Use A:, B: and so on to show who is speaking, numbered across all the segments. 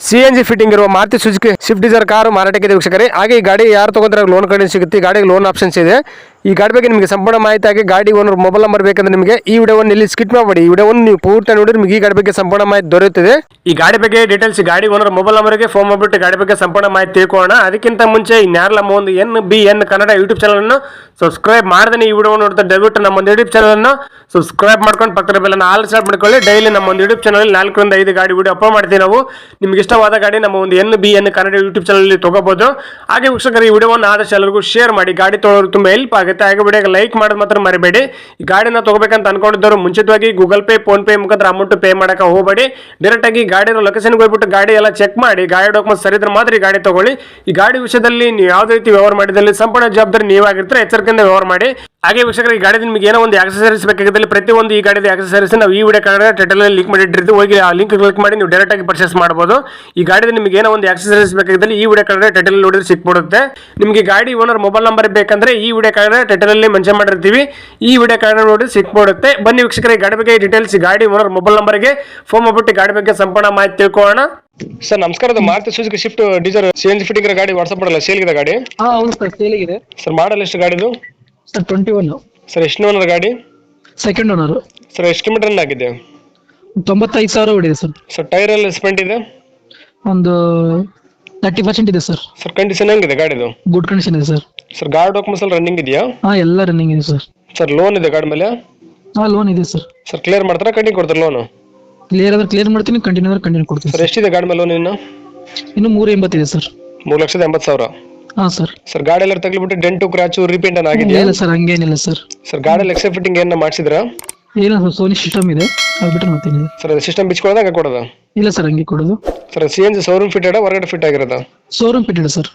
A: CNG fitting ಇರುವ Maruti Suzuki Swift Dzire car ಮಾರಾಟಕ್ಕೆ ಇದೆ ವೀಕ್ಷಕರೇ. ಹಾಗೆ ಈ ಗಾಡಿ ಯಾರು ತಗೊಂಡ್ರೆ ಲೋನ್ ಕಡೆ ಸಿಗುತ್ತೆ, ಈ ಗಾಡಿಗೆ ಲೋನ್ ಆಪ್ಷನ್ಸ್ ಇದೆ. ಈ ಗಾಡಿ ಬಗ್ಗೆ ನಿಮಗೆ ಸಂಪೂರ್ಣ ಮಾಹಿತಿ ಆಗಿ ಗಾಡಿ ಓನರ್ ಮೊಬೈಲ್ ನಂಬರ್ ಬೇಕಂದ್ರೆ ನಿಮಗೆ ಈ ವಿಡಿಯೋವನ್ನು ಇಲ್ಲಿ ಸ್ಕಿಪ್ ಮಾಡಬೇಡಿ. ಈ ವಿಡಿಯೋವನ್ನು ನೀವು ಪೂರ್ತಿ ನೋಡಿದ್ರೆ ನಿಮಗೆ ಈ ಗಾಡಿ ಬಗ್ಗೆ ಸಂಪೂರ್ಣ ಮಾಹಿತಿ ದೊರೆಯುತ್ತದೆ. ಈ ಗಾಡಿ ಬಗ್ಗೆ ಡೀಟೇಲ್ಸ್ ಗಾಡಿ ಓನರ್ ಮೊಬೈಲ್ ನಂಬರ್ಗೆ ಫೋನ್ ಮಾಡಿಬಿಟ್ಟು ಗಾಡಿ ಬಗ್ಗೆ ಸಂಪೂರ್ಣ ಮಾಹಿತಿ ತಿಳ್ಕೊಳ್ಳೋಣ. ಅದಕ್ಕಿಂತ ಮುಂಚೆ ಇನ್ಯಾರಲ್ಲ ನಮ್ಮ ಒಂದು NBN ಕನ್ನಡ ಯೂಟ್ಯೂಬ್ ಚಾನಲ್ ಅನ್ನು ಸಬ್ಸ್ಕ್ರೈಬ್ ಮಾಡದೇ ಈ ವಿಡಿಯೋ ನೋಡ್ತಾ ದಯವಿಟ್ಟು ನಮ್ಮ ಒಂದು ಯೂಟ್ಯೂಬ್ ಚಾನಲ್ ಅನ್ನು ಸಬ್ಸ್ಕ್ರೈಬ್ ಮಾಡ್ಕೊಂಡು ಪಕ್ಕದ ಬೆಲ್ ಅನ್ನು ಆಲ್ ಸ್ಟಾರ್ಟ್ ಮಾಡ್ಕೊಳ್ಳಿ. ಡೈಲಿ ನಮ್ಮ ಒಂದು ಯೂಟ್ಯೂಬ್ ಚಾನಲ್ 4 ರಿಂದ 5 ಗಾಡಿ ವಿಡಿಯೋ ಅಪ್ಲೋಡ್ ಮಾಡ್ತೀವಿ ನಾವು. ನಿಮ್ಗೆ ಇಷ್ಟವಾದ ಗಾಡಿ ನಮ್ಮ ಒಂದು NBN ಕನ್ನಡ ಯೂಟ್ಯೂಬ್ ಚಾನಲ್ ತಗೋಬಹುದು. ಹಾಗೆ ವೀಕ್ಷಕರು ಈ ವಿಡಿಯೋವನ್ನು ಆದಷ್ಟು ಎಲ್ಲರಿಗೂ ಶೇರ್ ಮಾಡಿ, ಗಾಡಿ ತೊಗೊಳ್ಳೋರು ತುಂಬಾ ಹೆಲ್ಪ್ ಆಗುತ್ತೆ. ಹಾಗೆ ವಿಡಿಯೋಗೆ ಲೈಕ್ ಮಾಡೋದು ಮಾತ್ರ ಮರಿಬೇಡಿ. ಈ ಗಾಡಿನ ತಗೋಬೇಕಂತ ಅನ್ಕೊಂಡಿದ್ದವರು ಮುಂಚಿತವಾಗಿ ಗೂಗಲ್ ಪೇ ಫೋನ್ ಪೇ ಮುಖಾಂತರ ಅಮೌಂಟ್ ಪೇ ಮಾಡಕ್ಕೆ ಹೋಗಬೇಡಿ. ಡೈರೆಕ್ಟ್ ಆಗಿ ಗಾಡಿನ ಲೊಕೇಶನ್ಗೆ ಹೋಗ್ಬಿಟ್ಟು ಗಾಡಿ ಎಲ್ಲ ಚೆಕ್ ಮಾಡಿ, ಗಾಡಿ ಡಾಕ್ಯುಮೆಂಟ್ಸ್ ಸರಿ ಇದ್ರೆ ಮಾತ್ರ ಈ ಗಾಡಿ ತಗೊಳ್ಳಿ. ಈ ಗಾಡಿ ವಿಷಯದಲ್ಲಿ ನೀವು ಯಾವುದೇ ರೀತಿ ವ್ಯವಹಾರ ಮಾಡಿದಲ್ಲಿ ಸಂಪೂರ್ಣ ಜವಾಬ್ದಾರಿ ನೀವಾಗಿರ್ತಾರೆ, ಎಚ್ಚರಿಕೆಯಿಂದ ವ್ಯವಹಾರ ಮಾಡಿ. ಹಾಗೆ ವೀಕ್ಷಕರು ಈ ಗಾಡಿ ನಿಮಗೆ ಏನೋ ಒಂದು ಆಕ್ಸೆಸರೀಸ್ ಬೇಕಾಗಿದ್ದಲ್ಲಿ ಪ್ರತಿಯೊಂದು ಈ ಗಾಡಿದ ಆಕ್ಸೆಸರೀಸ್ ನಾವು ಈ ವಿಡಿಯೋ ಕಾರ್ಡ್ ಟೈಟಲ್ ಅಲ್ಲಿ ಲಿಂಕ್ ಮಾಡಿಟ್ಟಿರ್ತೀವಿ, ಹೋಗಿ ಆ ಲಿಂಕ್ ಕ್ಲಿಕ್ ಮಾಡಿ ನೀವು ಡೈರೆಕ್ಟ್ ಆಗಿ ಪರ್ಚೇಸ್ ಮಾಡಬಹುದು. ಈ ಗಾಡಿದ ನಿಮಗೆ ಏನೋ ಒಂದು ಆಕ್ಸೆಸರೀಸ್ ಬೇಕಾಗಿದ್ದಲ್ಲಿ ಈ ವಿಡಿಯೋ ಕಾರ್ಡ್ ಟೈಟಲ್ ನೋಡಿದ್ರೆ ಸಿಕ್ಬಿಡುತ್ತೆ. ನಿಮಗೆ ಗಾಡಿ ಓನರ್ ಮೊಬೈಲ್ ನಂಬರ್ ಬೇಕಂದ್ರೆ ಈ ವಿಡಿಯೋ ಕಾರ್ಡ್ ಟೈಟಲ್ ಅಲ್ಲಿ ಮೆನ್ಷನ್ ಮಾಡಿರ್ತೀವಿ, ಈ ವಿಡಿಯೋ ಕಾರ್ಡ್ ನೋಡಿ ಸಿಕ್ಬಿಡುತ್ತೆ. ಬನ್ನಿ ವೀಕ್ಷಕರ ಈ ಗಾಡಿ ಬಗ್ಗೆ ಡೀಟೇಲ್ಸ್ ಗಾಡಿ ಓನರ್ ಮೊಬೈಲ್ ನಂಬರ್ಗೆ ಫೋನ್ ಮಾಡ್ಬಿಟ್ಟು ಗಾಡಿ ಬಗ್ಗೆ ಸಂಪೂರ್ಣ ಮಾಹಿತಿ ತಿಳ್ಕೊಳ್ಳೋಣ. ಸರ್ ನಮಸ್ಕಾರ, Maruti Suzuki Swift Dzire CNG fitting ಗಾಡಿ ವಾಟ್ಸ್ಆಪ್ ಮಾಡಲ್ಲ ಸೇಲ್ ಇದೆ ಗಾಡಿ?
B: ಹೌದು ಸರ್, ಸೇಲ್ ಇದೆ
A: ಸರ್. ಮಾಡಲ್ ಎಷ್ಟು ಗಾಡಿದು?
B: ಸರ್ 21.
A: ಸರ್ ಎಷ್ಟು ಓನರ್ ಗಾಡಿ?
B: Second owner.
A: ಸರ್ ಎಷ್ಟು ಕಿಲೋಮೀಟರ್ ರನ್ ಆಗಿದೆ?
B: 95,000 ಹೊಡಿದೆ ಸರ್.
A: ಸರ್ ಟೈರ್ ಎಲ್ಲ ಸ್ಪೆಂಟ್ ಇದೆ?
B: ಒಂದು 30% ಇದೆ ಸರ್.
A: ಸರ್ ಕಂಡೀಷನ್ ಹೆಂಗಿದೆ ಗಾಡಿದು?
B: ಗುಡ್ ಕಂಡೀಷನ್ ಇದೆ ಸರ್.
A: ಸರ್ ಗಾಡಿ ಡಾಕ್ಯುಮೆಂಟ್ಸ್ ಎಲ್ಲ ರನ್ನಿಂಗ್ ಇದೆಯಾ?
B: ಎಲ್ಲ ರನ್ನಿಂಗ್ ಇದೆ ಸರ್.
A: ಸರ್ ಲೋನ್ ಇದೆ ಗಾಡಿ ಮೇಲೆ?
B: ಲೋನ್ ಇದೆ ಸರ್.
A: ಸರ್ ಕ್ಲಿಯರ್ ಮಾಡ್ತಾರಾ ಕಂಟಿನ್ಯೂ ಕೊಡ್ತಾರೆ ಲೋನು?
B: ಕ್ಲಿಯರ್ ಆದ್ರೆ ಕ್ಲಿಯರ್ ಮಾಡ್ತೀನಿ, ಕಂಟಿನ್ಯೂ ಆದ್ರೆ ಕಂಟಿನ್ಯೂ ಕೊಡ್ತೀನಿ.
A: ಸರ್ ಎಷ್ಟಿದೆ ಗಾಡಿ ಮೇಲೆ ಲೋನ್?
B: ಇನ್ನು 380 ಇದೆ ಸರ್.
A: 3,80,000.
B: ಸರ್.
A: ಸರ್ ಗಾಡಿ ಎಲ್ಲ ತಗ್ಲಿಬಿಟ್ಟು ಡೆಂಟು ಕ್ರಾಚು ರಿಪೇಂಟ್ ಅನ್ನ ಆಗಿದೆಯಾ?
B: ಇಲ್ಲ ಸರ್, ಹಂಗೇನಿಲ್ಲ ಸರ್.
A: ಸರ್ ಗಾಡಿ ಎಕ್ಸೆಪ್ ಫಿಟ್ಟಿಂಗ್ ಏನ ಮಾಡಿಸಿದ್ರಾ?
B: ಇಲ್ಲ ಸರ್, ಸೋನಿ ಸಿಸ್ಟಮ್ ಇದೆ, ಅದು ಬಿಟ್ಟರೆ ಮತ್ತೇನಿದೆ.
A: ಸರ್ ಅದು ಸಿಸ್ಟಮ್ ಬಿಚ್ಕೊಳ್ಳೋದ ಹಂಗೆ ಕೊಡೋದ?
B: ಇಲ್ಲ ಸರ್, ಹಂಗೆ ಕೊಡೋದು.
A: ಸರ್ CNG ಶೋರೂಮ್ ಫಿಟೆಡ್ ಹೊರಗಡೆ ಫಿಟ್ ಆಗಿರೋದ?
B: Showroom fitted sir.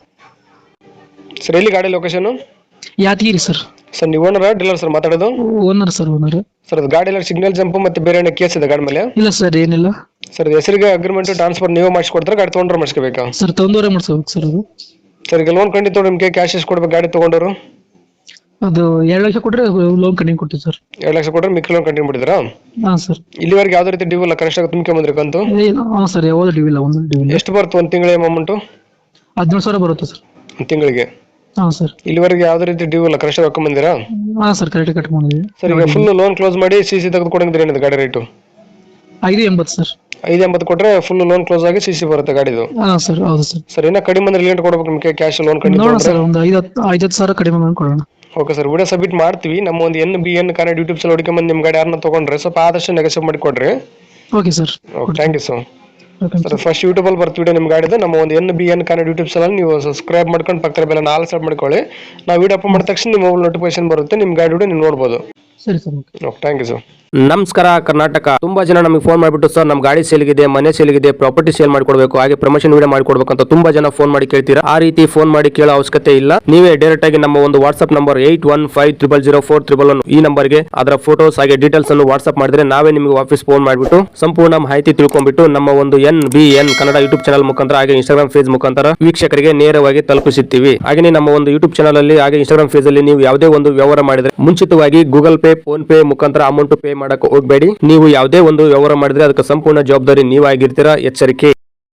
A: ಸರ್ ಎಲ್ಲಿ ಗಾಡಿ ಲೊಕೇಶನ್?
B: ಯಾದಗಿರಿ ಸರ್.
A: ಸರ್ ನೀವು ಓನರ್ ಡೀಲರ್ ಸರ್ ಮಾತಾಡೋದು?
B: Owner sir, owner.
A: ಸರ್ ಅದು ಗಾಡಿ ಎಲ್ಲ ಸಿಗ್ನಲ್ ಜಂಪ್ ಮತ್ತೆ ಬೇರೆ ಏನೋ ಕೇಸ್ ಇದೆ ಗಾಡಿ ಮೇಲೆ?
B: ಇಲ್ಲ ಸರ್, ಏನಿಲ್ಲ.
A: ಸರ್ ಹೆಸರಿಗೆ ಅಗ್ರಿಮೆಂಟ್ ಟ್ರಾನ್ಸ್ಫರ್ ನೀವು ಮಾಡಿಸ್ಕೊಡ್ತಾರೆ, ಗಾಡಿ ತೊಗೊಂಡ್ರೆ ಮಾಡಿಸ್ಕೋಬೇಕಾ?
B: ಸರ್ ತೊಂದರೆ ಮಾಡಿಸ್ಬೇಕು ಸರ್. ಅದು
A: ಸರ್ ಈಗ ಲೋನ್ ಕಂಡಿತ್ತು ನಿಮಗೆ ಕ್ಯಾಶ್ ಎಷ್ಟು ಕೊಡ್ಬೇಕು ಗಾಡಿ ತೊಗೊಂಡವರು?
B: ಅದು 2 ಲಕ್ಷ ಕೊಟ್ಟರೆ ಲೋನ್ ಕಂಟಿನ್ಯೂ ಕೊಡ್ತೀವಿ ಸರ್.
A: 2 ಲಕ್ಷ ಕೊಟ್ಟರೆ ಮಿಕ್ಕಿ ಲೋನ್ ಕಂಟಿನ್ಯೂ ಮಾಡಿದ್ರಾ?
B: ಹಾಂ ಸರ್.
A: ಇಲ್ಲಿವರೆಗೆ ಯಾವುದೇ ರೀತಿ ಡ್ಯೂ ಇಲ್ಲ, ಕನಿಷ್ಠ ತುಂಬ್ಕೊಂಬಂದ್ರಿ ಕಂತು?
B: ಹಾಂ ಸರ್, ಯಾವುದು ಡ್ಯೂ ಇಲ್ಲ, ಒಂದು ಡ್ಯೂ ಇಲ್ಲ.
A: ಎಷ್ಟು ಬರುತ್ತೆ ಒಂದು ತಿಂಗಳ ಅಮೌಂಟು?
B: 17,000 ಬರುತ್ತೆ ಸರ್.
A: ಒಂದು ತಿಂಗಳಿಗೆ?
B: ಹಾಂ ಸರ್.
A: ಇಲ್ಲಿವರೆಗೆ ಯಾವುದೇ ರೀತಿ ಡ್ಯೂ ಇಲ್ಲ, ಕನಿಷ್ಠ ಹಾಕೊಂಬಂದಿರಾ?
B: ಹಾಂ ಸರ್, ಕರೆಕ್ಟ್ ಕಟ್ ಮಾಡಿದ್ವಿ.
A: ಸರ್ ಈಗ ಫುಲ್ ಲೋನ್ ಕ್ಲೋಸ್ ಮಾಡಿ CC ತೆಗೆದು ಕೊಡಂಗಿದ್ರೆ ಏನಿದೆ ಗಾಡಿ ರೇಟು?
B: 580 ಸರ್.
A: 580 ಕೊಟ್ಟರೆ ಫುಲ್ ಲೋನ್ ಕ್ಲೋಸ್ ಆಗಿ CC ಬರುತ್ತೆ ಗಾಡಿದು?
B: ಹಾಂ ಸರ್, ಹೌದು ಸರ್.
A: ಸರ್ ಇನ್ನೂ ಕಡಿಮೆ ಅಂದ್ರೆ ಲಿಮಿಟ್ ಕೊಡ್ಬೇಕು ನಿಮಗೆ ಕ್ಯಾಶ್ ಲೋನ್ ಕಂಡಿದ್ದು?
B: ನೋಡೋಣ ಸರ್, ಒಂದು 5,000 ಕಡಿಮೆ ಮಾಡಿ ಕೊಡೋಣ.
A: ಓಕೆ ಸರ್, ವಿಡಿಯೋ ಸಬ್ಮಿಟ್ ಮಾಡ್ತೀವಿ. ನಮ್ಮ ಒಂದು NBN ಕನ್ನಡ ಯೂಟ್ಯೂಬ್ ಚಾನಲ್ ಹುಡುಕೊಂಬಂದು ನಿಮ್ಮ ಗಾಡಿ ಯಾರನ್ನ ತೊಗೊಂಡ್ರೆ ಸ್ವಲ್ಪ ಆದಷ್ಟು ನೆಗೆಸಿವ್ ಮಾಡಿ ಕೊಡ್ರಿ.
B: Okay sir.
A: Okay, thank you sir. Sir first ಯೂಟ್ಯೂಬಲ್ಲಿ ಬರ್ತೀವಿ ವಿಡಿಯೋ ನಿಮ್ಮ ಗಾಡಿದು. ನಮ್ಮ ಒಂದು NBN ಕನ್ನಡ ಯೂಟ್ಯೂಬ್ ಚಾನಲ್ ನೀವು ಸಬ್ಸ್ಕ್ರೈಬ್ ಮಾಡ್ಕೊಂಡು ಪಕ್ಕದ ಬೆಲ್ಲ ಆಲ್ ಸೆಟ್ ಮಾಡ್ಕೊಳ್ಳಿ. ನಾವು ವಿಡಿಯೋ ಅಪ್ಲೋಡ್ ಮಾಡಿದ ತಕ್ಷಣ ನಿಮ್ಮ ಮೊಬೈಲ್ ನೋಟಿಫಿಕೇಶನ್ ಬರುತ್ತೆ, ನಿಮ್ಮ ಗಾಡಿ ವಿಡಿಯೋ ನೀವು ನೋಡ್ಬೋದು.
B: ಸರಿ sir.
A: Okay, thank you sir.
C: ನಮಸ್ಕಾರ ಕರ್ನಾಟಕ. ತುಂಬಾ ಜನ ನಮಗೆ ಫೋನ್ ಮಾಡಿಬಿಟ್ಟು ಸರ್ ನಮ್ಮ ಗಾಡಿ ಸೇಲ್ಗಿದೆ, ಮನೆ ಸೇಲ್ಗಿದೆ, ಪ್ರಾಪರ್ಟಿ ಸೇಲ್ ಮಾಡ್ಕೊಡ್ಬೇಕು, ಹಾಗೆ ಪ್ರಮೋಷನ್ ವಿಡಿಯೋ ಮಾಡ್ಕೊಡ್ಬೇಕು ಅಂತ ತುಂಬಾ ಜನ ಫೋನ್ ಮಾಡಿ ಕೇಳ್ತೀರಾ. ಆ ರೀತಿ ಫೋನ್ ಮಾಡಿ ಕೇಳೋ ಅವಶ್ಯಕತೆ ಇಲ್ಲ. ನೀವೇ ಡೈರೆಕ್ಟ್ ಆಗಿ ನಮ್ಮ ಒಂದು ವಾಟ್ಸ್ಆಪ್ ನಂಬರ್ 81500411 ಈ ನಂಬರ್ಗೆ ಅದರ ಫೋಟೋಸ್ ಹಾಗೆ ಡೀಟೇಲ್ಸ್ ಅನ್ನು ವಾಟ್ಸ್ಆಪ್ ಮಾಡಿದ್ರೆ ನಾವೇ ನಿಮಗೆ ವಾಪಸ್ ಫೋನ್ ಮಾಡಿಬಿಟ್ಟು ಸಂಪೂರ್ಣ ಮಾಹಿತಿ ತಿಳ್ಕೊಂಡ್ಬಿಟ್ಟು ನಮ್ಮ ಒಂದು NBN ಕನ್ನಡ ಯೂಟ್ಯೂಬ್ ಚಾನಲ್ ಮುಖಾಂತರ ಹಾಗೆ ಇನ್ಸ್ಟಾಗ್ರಾಮ್ ಪೇಜ್ ಮುಖಾಂತರ ವೀಕ್ಷಕರಿಗೆ ನೇರವಾಗಿ ತಲುಪಿಸುತ್ತೀವಿ. ಹಾಗೆ ನಮ್ಮ ಒಂದು ಯೂಟ್ಯೂಬ್ ಚಾನಲ್ ಅಲ್ಲಿ ಹಾಗೆ ಇನ್ಸ್ಟಾಗ್ರಾಮ್ ಪೇಜ್ ಅಲ್ಲಿ ನೀವು ಯಾವುದೇ ಒಂದು ವ್ಯವಹಾರ ಮಾಡಿದ್ರೆ ಮುಂಚಿತವಾಗಿ ಗೂಗಲ್ ಪೇ ಫೋನ್ ಪೇ ಮುಖಾಂತರ ಅಮೌಂಟ್ ಪೇ ಮಾಡಕ್ಕೆ ಹೋಗಬೇಡಿ. ನೀವು ಯಾವುದೇ ಒಂದು ವ್ಯವಹಾರ ಮಾಡಿದ್ರೆ ಅದಕ್ಕೆ ಸಂಪೂರ್ಣ ಜವಾಬ್ದಾರಿ ನೀವಾಗಿರ್ತೀರಾ, ಎಚ್ಚರಿಕೆ.